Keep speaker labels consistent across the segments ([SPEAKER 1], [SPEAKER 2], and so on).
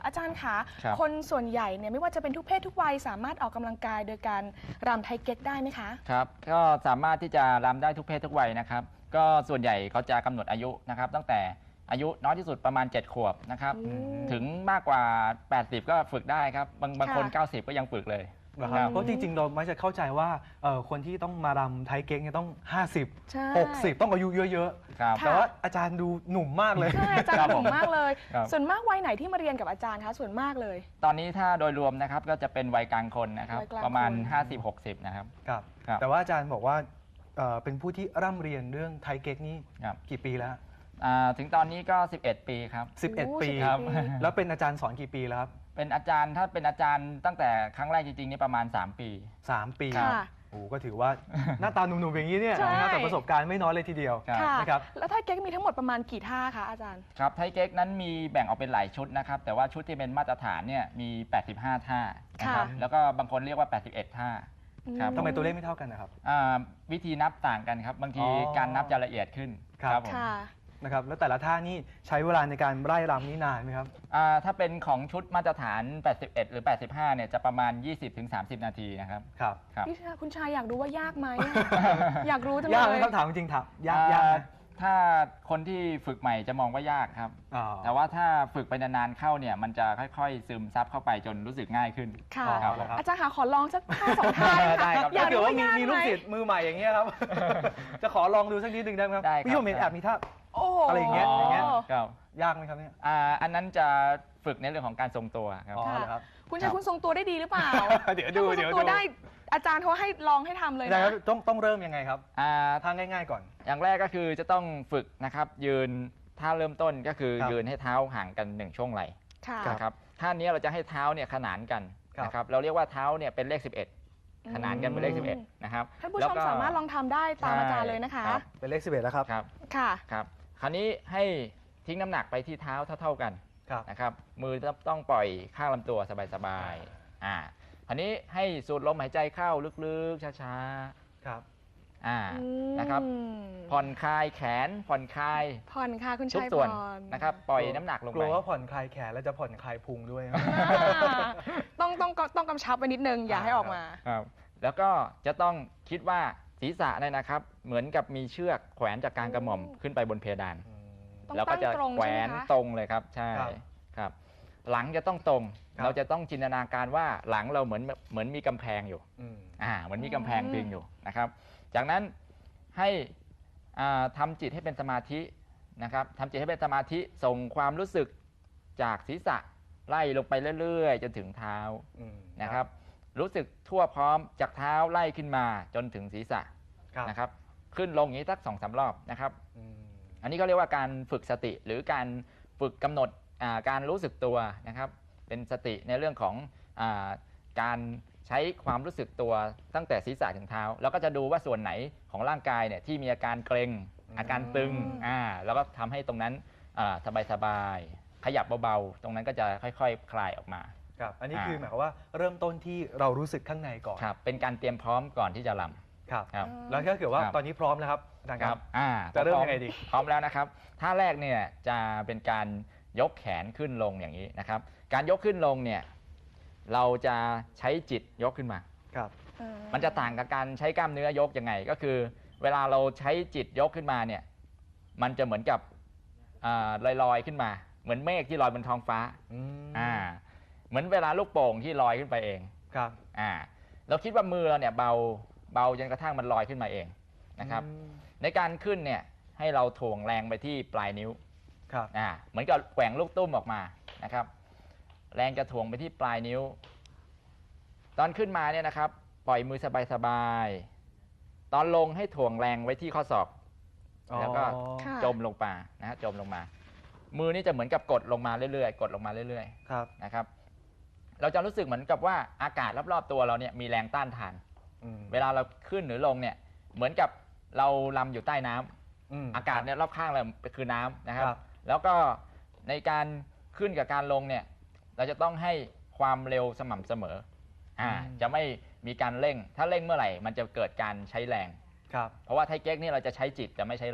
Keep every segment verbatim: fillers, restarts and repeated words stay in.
[SPEAKER 1] อาจารย์คะ
[SPEAKER 2] ครับ
[SPEAKER 1] คนส่วนใหญ่เนี่ยไม่ว่าจะเป็นทุกเพศทุกวัยสามารถออกกำลังกายโดยการรำไทเก๊กได้ไหมคะ
[SPEAKER 2] ครับก็สามารถที่จะรำได้ทุกเพศทุกวัยนะครับก็ส่วนใหญ่เขาจะกำหนดอายุนะครับตั้งแต่อายุน้อยที่สุดประมาณเจ็ดขวบนะครับ
[SPEAKER 1] อืม
[SPEAKER 2] ถึงมากกว่า แปดสิบ ก็ฝึกได้ครับบางบางคน
[SPEAKER 1] ค่ะ
[SPEAKER 2] เก้าสิบ ก็ยังฝึกเลย
[SPEAKER 3] นะครับเพราะจริงๆเราไม่จะเข้าใจว่าเอ่อคนที่ต้องมารำไทยเก๊กเนี่ยต้อง ห้าสิบ
[SPEAKER 1] ใช่
[SPEAKER 3] หกสิบ ต้องอายุเยอะ
[SPEAKER 2] ครับ
[SPEAKER 3] ๆ แต่ว่าอาจารย์ดูหนุ่มมากเลย
[SPEAKER 1] ใช่อาจาร
[SPEAKER 2] ครับ
[SPEAKER 1] ย์ห
[SPEAKER 2] ผ
[SPEAKER 1] นุ่
[SPEAKER 2] ม
[SPEAKER 1] มมากเลย
[SPEAKER 2] ครับ
[SPEAKER 1] ส่วนมากวัยไหนที่มาเรียนกับอาจารย์คะส่วนมากเลย
[SPEAKER 2] ตอนนี้ถ้าโดยรวมนะครับก็จะเป็นวัยกลางคนนะครับ
[SPEAKER 1] วัยกลาง
[SPEAKER 2] ประมาณ
[SPEAKER 1] คน
[SPEAKER 2] ห้าสิบหกสิบ นะครับ
[SPEAKER 3] ครับ
[SPEAKER 2] ครับ
[SPEAKER 3] แต่ว่าอาจารย์บอกว่าเอ่อเป็นผู้ที่ร่ำเรียนเรื่องไทยเก๊กนี่
[SPEAKER 2] ครับ
[SPEAKER 3] กี่ปีแล้ว
[SPEAKER 2] อ่าถึงตอนนี้ก็ สิบเอ็ด ปีครับ
[SPEAKER 3] สิบเอ็ด
[SPEAKER 1] โอ้
[SPEAKER 3] ปี
[SPEAKER 1] สิบเอ็ด
[SPEAKER 2] ครับ
[SPEAKER 1] ปี
[SPEAKER 3] แล้วเป็นอาจารย์สอนกี่ปีแล้วครับ
[SPEAKER 2] เป็นอาจารย์ถ้าเป็นอาจารย์ตั้งแต่ครั้งแรกจริงๆนี่ประมาณ สาม ปี
[SPEAKER 3] สาม ปี
[SPEAKER 2] ครับ
[SPEAKER 1] ค่ะ
[SPEAKER 3] โอ้ก็ถือว่า หน้าตาหนุ่มๆอย่างนี้เนี่ย
[SPEAKER 1] ใช่
[SPEAKER 3] นะครับแต่ประสบการณ์ไม่น้อยเลยทีเดียว
[SPEAKER 2] ครับ
[SPEAKER 1] ค่ะ
[SPEAKER 3] นะครับ
[SPEAKER 1] แล้วไทเก๊กมีทั้งหมดประมาณกี่ท่าคะอาจารย์
[SPEAKER 2] ครับไทเก๊กนั้นมีแบ่งออกเป็นหลายชุดนะครับแต่ว่าชุดที่เป็นมาตรฐานเนี่ยมี แปดสิบห้า ท่านะครับ
[SPEAKER 1] ค่ะ
[SPEAKER 2] แล้วก็บางคนเรียกว่า แปดสิบเอ็ด ท่า ครับ
[SPEAKER 3] ทำไมตัวเลขไม่เท่ากันนะครับ
[SPEAKER 2] อ่าวิธีนับต่างกันครับบางที
[SPEAKER 3] อ๋อ
[SPEAKER 2] การนับจะละเอียดขึ้น
[SPEAKER 3] ครับ
[SPEAKER 2] ผม
[SPEAKER 1] ค่ะ
[SPEAKER 3] นะครับแล้วแต่ละท่านี่ใช้เวลาในการไล่รำนี่นานไหมครับ
[SPEAKER 2] อ่าถ้าเป็นของชุดมาตรฐาน แปดสิบเอ็ด หรือ แปดสิบห้า เนี่ยจะประมาณ ยี่สิบถึงสามสิบ นาทีนะครับ
[SPEAKER 3] ครับ
[SPEAKER 2] ครับ
[SPEAKER 1] พี่ชายคุณชายอยากรู้ว่ายากไหมอะ อยากรู้จัง
[SPEAKER 3] ยากไห
[SPEAKER 1] เล
[SPEAKER 3] ม
[SPEAKER 1] ย
[SPEAKER 3] ครับถามจริงๆถามยากยากไหม
[SPEAKER 2] อ่าถ้าคนที่ฝึกใหม่จะมองว่ายากครับ
[SPEAKER 3] อ๋อ
[SPEAKER 2] แต่ว่าถ้าฝึกไปนานๆเข้าเนี่ยมันจะค่อยๆซึมซับเข้าไปจนรู้สึกง่ายขึ้น
[SPEAKER 1] ค่ะ
[SPEAKER 3] อ๋อ
[SPEAKER 2] ครับ
[SPEAKER 3] ครับ
[SPEAKER 1] อาจารย์คะขอลองสักท่าสองท่า
[SPEAKER 2] ได้
[SPEAKER 1] ได้
[SPEAKER 2] ครับ
[SPEAKER 1] อยา
[SPEAKER 3] ถ้าก เกิด
[SPEAKER 1] รู้
[SPEAKER 3] ว่า
[SPEAKER 1] ว่า
[SPEAKER 3] มี
[SPEAKER 1] ยาก
[SPEAKER 3] มี
[SPEAKER 1] ไห
[SPEAKER 3] ลู
[SPEAKER 1] ม
[SPEAKER 3] กศิษย์มือใหม่อย่างเงี้ยครับ จะขอลองดูสักนิดหนึ่งได้ไหมครับ
[SPEAKER 2] ได้ครับ
[SPEAKER 3] พี่ผมเห็นแอบมีท่า
[SPEAKER 1] โอ้โห
[SPEAKER 3] อะไรอย่างเงี้ยอย่างเงี้ย
[SPEAKER 2] ครับ
[SPEAKER 3] ยากไหมครับเนี่ย
[SPEAKER 2] อ่าอันนั้นจะฝึกในเรื่องของการทรงตัวครับ
[SPEAKER 3] อ๋อ
[SPEAKER 1] ค่ะ
[SPEAKER 3] เหรอครับ
[SPEAKER 1] คุณชายคุณทรงตัวได้ดีหรือเปล่า
[SPEAKER 3] เดี๋ยวดู
[SPEAKER 1] ถ้าคุณท
[SPEAKER 3] เดี๋
[SPEAKER 1] ร
[SPEAKER 3] ยว
[SPEAKER 1] งตัว
[SPEAKER 3] ดู
[SPEAKER 1] ได้อาจารย์เขาให้ลองให้ทำเลย
[SPEAKER 3] ได้
[SPEAKER 1] นะครับ
[SPEAKER 3] ต้องต้องเริ่มยังไงครับ
[SPEAKER 2] อ่า
[SPEAKER 3] ท่าง่าย ๆก่อน
[SPEAKER 2] อย่างแรกก็คือจะต้องฝึกนะครับยืนท่าเริ่มต้นก็คือ
[SPEAKER 3] ครับ
[SPEAKER 2] ยืนให้เท้าห่างกันหนึ่งช่วงไหล่
[SPEAKER 1] ค่ะ
[SPEAKER 2] นะครับท่านี้เราจะให้เท้าเนี่ยขนานกัน
[SPEAKER 3] ครับ
[SPEAKER 2] นะครับเราเรียกว่าเท้าเนี่ยเป็นเลข สิบเอ็ด ขนานกันเป็นเลข สิบเอ็ด นะครับ
[SPEAKER 1] ท่านผู้
[SPEAKER 2] แล้ว
[SPEAKER 1] ชม
[SPEAKER 2] ก็
[SPEAKER 1] สามารถลองทำได้ตามอาจารย์เลยนะคะ
[SPEAKER 2] รับ
[SPEAKER 3] เป็นเลขสิบเอ็ดแล้วครับ
[SPEAKER 2] ครับ
[SPEAKER 1] ค่ะ
[SPEAKER 2] ครับคราวนี้ให้ทิ้งน้ำหนักไปที่เท้าเท่าๆกัน
[SPEAKER 3] ครับ
[SPEAKER 2] นะครับมือต้องปล่อยข้างลำตัวสบายๆอ่าคราวนี้ให้สูดลมหายใจเข้าลึกๆช้า
[SPEAKER 3] ครับ
[SPEAKER 2] ๆอ่านะครับ
[SPEAKER 1] อืม
[SPEAKER 2] ผ่อนคลายแขนผ่อนคลาย
[SPEAKER 1] ผ่อนค่ะคุณ
[SPEAKER 2] ทุก
[SPEAKER 1] ชาย
[SPEAKER 2] ส่วน
[SPEAKER 1] ผ่อน
[SPEAKER 2] นะครับปล่อยน้ำหนักลง
[SPEAKER 3] ก
[SPEAKER 2] ไป
[SPEAKER 3] ลัวว่าผ่อนคลายแขนแล้วจะผ่อนคลายพุงด้วยครับ
[SPEAKER 1] อ่าต้องต้องต้องกำชับไว้นิดนึงอย่าให้ออกมา
[SPEAKER 2] ครับแล้วก็จะต้องคิดว่าศีรษะเนี่ยนะครับ เหมือนกับมีเชือกแขวนจากกลางกระหม่อมขึ้นไปบนเพดาน
[SPEAKER 1] ต้อง
[SPEAKER 2] แล้วก็จะ
[SPEAKER 1] ตั้งตรง
[SPEAKER 2] แขว
[SPEAKER 1] ใช่
[SPEAKER 2] น
[SPEAKER 1] ไหมคะ
[SPEAKER 2] ตรงเลยครับใช่
[SPEAKER 3] ครับ
[SPEAKER 2] ครับ หลังจะต้องตรง
[SPEAKER 3] ครับ
[SPEAKER 2] เราจะต้องจินตนาการว่าหลังเราเหมือนเหมือนมีกำแพงอยู่
[SPEAKER 3] อืม
[SPEAKER 2] อ่าเหมือนมีกำแพง
[SPEAKER 1] อืม
[SPEAKER 2] พิงอยู่นะครับ จากนั้นให้อ่าทำจิตให้เป็นสมาธินะครับทำจิตให้เป็นสมาธิส่งความรู้สึกจากศีรษะไล่ลงไปเรื่อยๆ จนถึงเท้า
[SPEAKER 3] อืม
[SPEAKER 2] นะครับ รู้สึกทั่วพร้อมจากเท้าไล่ขึ้นมาจนถึงศีรษะ
[SPEAKER 3] ครับ
[SPEAKER 2] นะครับ ขึ้นลงอย่างนี้สักสองสามรอบนะครับ
[SPEAKER 3] อืม
[SPEAKER 2] อันนี้ก็เรียกว่าการฝึกสติหรือการฝึกกำหนดอ่าการรู้สึกตัวนะครับ เป็นสติในเรื่องของอาการใช้ความรู้สึกตัวตั้งแต่ศีรษะถึงเท้า แล้วก็จะดูว่าส่วนไหนของร่างกายเนี่ยที่มีอาการเกร็งอาการตึงอ่าแล้วก็ทำให้ตรงนั้นสบายๆขยับเบาๆตรงนั้นก็จะค่อยๆคคลายออกมา
[SPEAKER 3] ครับ อันนี้
[SPEAKER 2] อ่า
[SPEAKER 3] คือหมายความว่าเริ่มต้นที่เรารู้สึกข้างในก่อน
[SPEAKER 2] ครับเป็นการเตรียมพร้อมก่อนที่จะร
[SPEAKER 3] ครับ
[SPEAKER 2] ำครับ
[SPEAKER 3] แล้วถ้าเกิดว่า
[SPEAKER 2] ครับ
[SPEAKER 3] ตอนนี้พร้อมแล้วครับอาจารย์
[SPEAKER 2] ค
[SPEAKER 3] ค
[SPEAKER 2] รั
[SPEAKER 3] รั
[SPEAKER 2] บบ อ่า
[SPEAKER 3] จะเริ่ม
[SPEAKER 2] พอ
[SPEAKER 3] ยังไงดี
[SPEAKER 2] พร้อมแล้วนะครับท่าแรกเนี่ยจะเป็นการยกแขนขึ้นลงอย่างนี้นะครับ การยกขึ้นลงเนี่ยเราจะใช้จิตยกขึ้นมา
[SPEAKER 3] ครับ
[SPEAKER 2] มันจะต่างกับการใช้กล้ามเนื้อยกยังไง ก็คือ เวลาเราใช้จิตยกขึ้นมาเนี่ยมันจะเหมือนกับลอยลอยๆขึ้นมา เหมือนเมฆที่ลอยบนท้องฟ้า
[SPEAKER 3] อืม
[SPEAKER 2] อ่าเหมือนเวลาลูกโป่งที่ลอยขึ้นไปเอง
[SPEAKER 3] ครับ
[SPEAKER 2] อ่าเราคิดว่ามือเราเนี่ยเบาเบาจนกระทั่งมันลอยขึ้นมาเองนะครับ
[SPEAKER 3] อืม
[SPEAKER 2] ในการขึ้นเนี่ยให้เราถ่วงแรงไปที่ปลายนิ้ว
[SPEAKER 3] ครับ
[SPEAKER 2] อ่าเหมือนกับแกว่งลูกตุ้มออกมานะครับ แรงจะถ่วงไปที่ปลายนิ้ว ตอนขึ้นมาเนี่ยนะครับ ปล่อยมือสบายๆตอนลงให้ถ่วงแรงไว้ที่ข้อศอก แล้วก็
[SPEAKER 3] อ๋อ
[SPEAKER 1] ค่ะ
[SPEAKER 2] จมลงมานะฮะจมลงมา มือนี่จะเหมือนกับกดลงมาเรื่อยๆกดลงมาเรื่อย
[SPEAKER 3] ครับ
[SPEAKER 2] ๆนะครับ เราจะรู้สึกเหมือนกับว่าอากาศรอบๆตัวเราเนี่ยมีแรงต้านทาน
[SPEAKER 3] อืม
[SPEAKER 2] เวลาเราขึ้นหรือลงเนี่ยเหมือนกับเราลำอยู่ใต้น้ำ
[SPEAKER 3] อืม
[SPEAKER 2] อากาศเนี่ยรอบข้างเราคือน้ำนะครับ
[SPEAKER 3] ครับ
[SPEAKER 2] แล้วก็ในการขึ้นกับการลงเนี่ยเราจะต้องให้ความเร็วสม่ำเสมออ่าจะไม่มีการเร่ง ถ้าเร่งเมื่อไหร่มันจะเกิดการใช้แรง
[SPEAKER 3] ครับ
[SPEAKER 2] เพราะว่าไทเก๊กนี่เราจะใช้จิตจะไม่ใช้แรง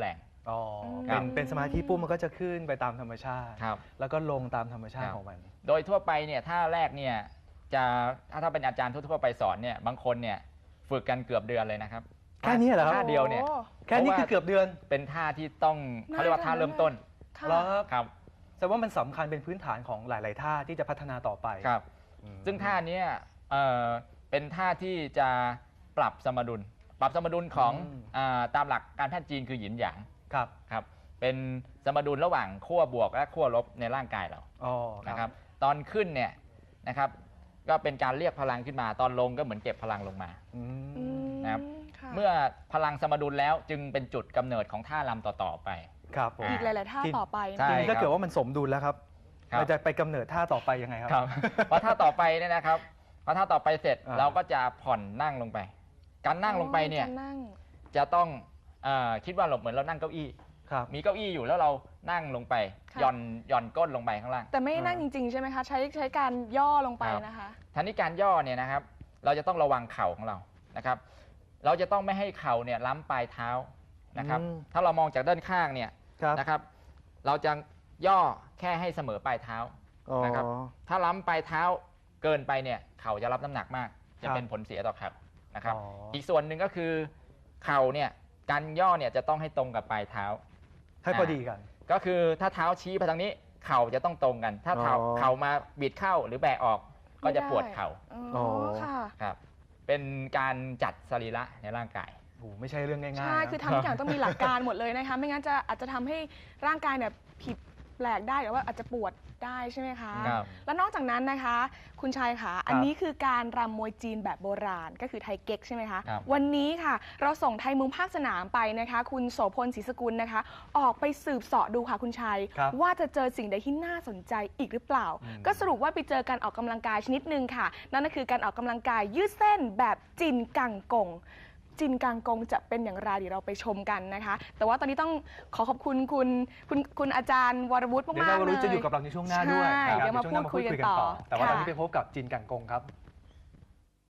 [SPEAKER 3] อ๋อ
[SPEAKER 1] ครั
[SPEAKER 3] เป็น
[SPEAKER 1] บ
[SPEAKER 3] เป็นสมาธิปุ๊บมันก็จะขึ้นไปตามธรรมชาติ
[SPEAKER 2] ครับ
[SPEAKER 3] แล้วก็ลงตามธรรมชา
[SPEAKER 2] ค
[SPEAKER 3] ติ
[SPEAKER 2] รับ
[SPEAKER 3] ของมัน
[SPEAKER 2] โดยทั่วไปเนี่ยท่าแรกเนี่ยจะถ้าถ้าเป็นอาจารย์ทั่วๆไปสอนเนี่ยบางคนเนี่ยฝึกกันเกือบเดือนเลยนะครับ
[SPEAKER 3] แค่นี้เหรอครับ
[SPEAKER 2] ท่าเดียวเนี่ย
[SPEAKER 1] โอ้
[SPEAKER 3] แค่นี้คือเกือบเดือน
[SPEAKER 2] เป็นท่าที่ต้องเขาเรียกว่าท่าเริ่มต้น
[SPEAKER 1] ค่ะ
[SPEAKER 3] แล้วครับ
[SPEAKER 2] ครับ
[SPEAKER 3] แสดงว่ามันสำคัญเป็นพื้นฐานของหลาย ๆ ท่าที่จะพัฒนาต่อไป
[SPEAKER 2] ครับ
[SPEAKER 3] อืม
[SPEAKER 2] ซึ่งท่าเนี้ยเอ่อเป็นท่าที่จะปรับสมดุล ปรับสมดุลของ
[SPEAKER 3] อืม
[SPEAKER 2] อาตามหลักการแพทย์จีนคือหยินหยาง
[SPEAKER 3] ครับ
[SPEAKER 2] ครับเป็นสมดุลระหว่างขั้วบวกและขั้วลบในร่างกายเรา
[SPEAKER 3] อ๋อ
[SPEAKER 2] นะครับตอนขึ้นเนี่ยนะครับก็เป็นการเรียกพลังขึ้นมาตอนลงก็เหมือนเก็บพลังลงมา
[SPEAKER 3] อื
[SPEAKER 1] อื
[SPEAKER 3] ม
[SPEAKER 1] ม
[SPEAKER 2] นะครับ
[SPEAKER 1] ค่ะ
[SPEAKER 2] เมื่อพลังสมดุลแล้วจึงเป็นจุดกำเนิดของท่ารำต่อๆไป
[SPEAKER 3] ครับผม
[SPEAKER 1] อีกหลาย ๆ ท่า
[SPEAKER 3] ที
[SPEAKER 1] ต่อไป
[SPEAKER 2] ใช่
[SPEAKER 3] ที
[SPEAKER 1] นะ
[SPEAKER 3] นี้ถ้าเกิดว่ามันสมดุลแล้วครับ
[SPEAKER 2] ครับ
[SPEAKER 3] เราจะไปกำเนิดท่าต่อไปยังไงครับ
[SPEAKER 2] ครับเพราะท่าต่อไปเนี่ยนะครับพอท่าต่อไปเสร็จ
[SPEAKER 3] อ่า
[SPEAKER 2] เราก็จะผ่อนนั่งลงไป การนั่งลงไปเนี่ย
[SPEAKER 1] จะนั่ง
[SPEAKER 2] จะต้องเออคิดว่าเราเหมือนเรานั่งเก้าอี้
[SPEAKER 3] ครับ
[SPEAKER 2] มีเก้าอี้อยู่แล้วเรานั่งลงไป
[SPEAKER 1] ค่ะ
[SPEAKER 2] หย่อนหย่อนก้นลงไปข้างล่าง
[SPEAKER 1] แต่ไม่
[SPEAKER 3] อ่า
[SPEAKER 1] นั่งจริง ๆ ใช่ไหมคะ ใช้ใช้การย่อลงไป
[SPEAKER 2] ครับ
[SPEAKER 1] นะคะ
[SPEAKER 2] ทันนี้การย่อเนี่ยนะครับ เราจะต้องระวังเข่าของเรานะครับ เราจะต้องไม่ให้เข่าเนี่ยล้ำปลายเท้านะครับ
[SPEAKER 3] อืม
[SPEAKER 2] ถ้าเรามองจากด้านข้างเนี่ย
[SPEAKER 3] ครับ
[SPEAKER 2] นะครับ เราจะย่อแค่ให้เสมอปลายเท้า
[SPEAKER 3] อ๋อ
[SPEAKER 2] นะครับ ถ้าล้ำปลายเท้าเกินไปเนี่ยเข่าจะรับน้ำหนักมาก จะ
[SPEAKER 3] ครับ
[SPEAKER 2] เป็นผลเสียต่อเข่านะครับ
[SPEAKER 3] อ๋ออี
[SPEAKER 2] อีกส่วนหนึ่งก็คือเข่าเนี่ยการย่อเนี่ยจะต้องให้ตรงกับปลายเท้า
[SPEAKER 3] ให้พอดีกัน
[SPEAKER 2] ก็คือถ้าเท้าชี้ไปทางนี้เข่าจะต้องตรงกัน ถ้าเท้า
[SPEAKER 3] อ๋อ
[SPEAKER 2] เข่ามาบิดเข้าหรือแบะออกก็จะปวดเข่า
[SPEAKER 1] อ๋อค่ะ
[SPEAKER 2] ครับ เป็นการจัดสรีระในร่างกาย
[SPEAKER 3] โอ้โหไม่ใช่เรื่องง่ายๆ
[SPEAKER 1] ใช่
[SPEAKER 3] นะ
[SPEAKER 1] คือทำทุกอย่างต้องมีหลักการหมดเลยนะคะ ไม่งั้นจะอาจจะทำให้ร่างกายเนี่ยผิดแปลกได้หรือว่าอาจจะปวดได้ใช่ไหมคะ
[SPEAKER 2] ครับ
[SPEAKER 1] แล้วนอกจากนั้นนะคะ คุณชายคะอันนี้คือการรำมวยจีนแบบโบราณก็คือไทยเก๊กใช่ไหมคะ
[SPEAKER 2] ครับ
[SPEAKER 1] วันนี้ค่ะ เราส่งไทยมุมภาคสนามไปนะคะ คุณโสพลศรีสกุลนะคะ ออกไปสืบเสาะดูค่ะคุณชัย
[SPEAKER 3] ครับ
[SPEAKER 1] ว่าจะเจอสิ่งใดที่น่าสนใจอีกหรือเปล่า
[SPEAKER 3] อืม
[SPEAKER 1] ก็สรุปว่าไปเจอการออกกำลังกายชนิดหนึ่งค่ะ นั่นก็คือการออกกำลังกายยืดเส้นแบบจินกังกง จินกังกงจะเป็นอย่างไรเดี๋ยวเราไปชมกันนะคะ แต่ว่าตอนนี้ต้องขอขอบคุณคุณคุณคุณอาจารย์วรวุฒิ
[SPEAKER 3] เดี๋ยว
[SPEAKER 1] มาก
[SPEAKER 3] เรา
[SPEAKER 1] ๆเลย
[SPEAKER 3] จะอยู่กับเราในช่วงหน้าด้วย
[SPEAKER 1] ใช่
[SPEAKER 3] นะครับ
[SPEAKER 1] เดี๋ยวมา
[SPEAKER 3] ในช่งหน้
[SPEAKER 1] พูดคุยกันต่อ
[SPEAKER 3] แต่ว่าตอนนี้
[SPEAKER 1] ค่ะ
[SPEAKER 3] ไปพบกับจินกังกงครับ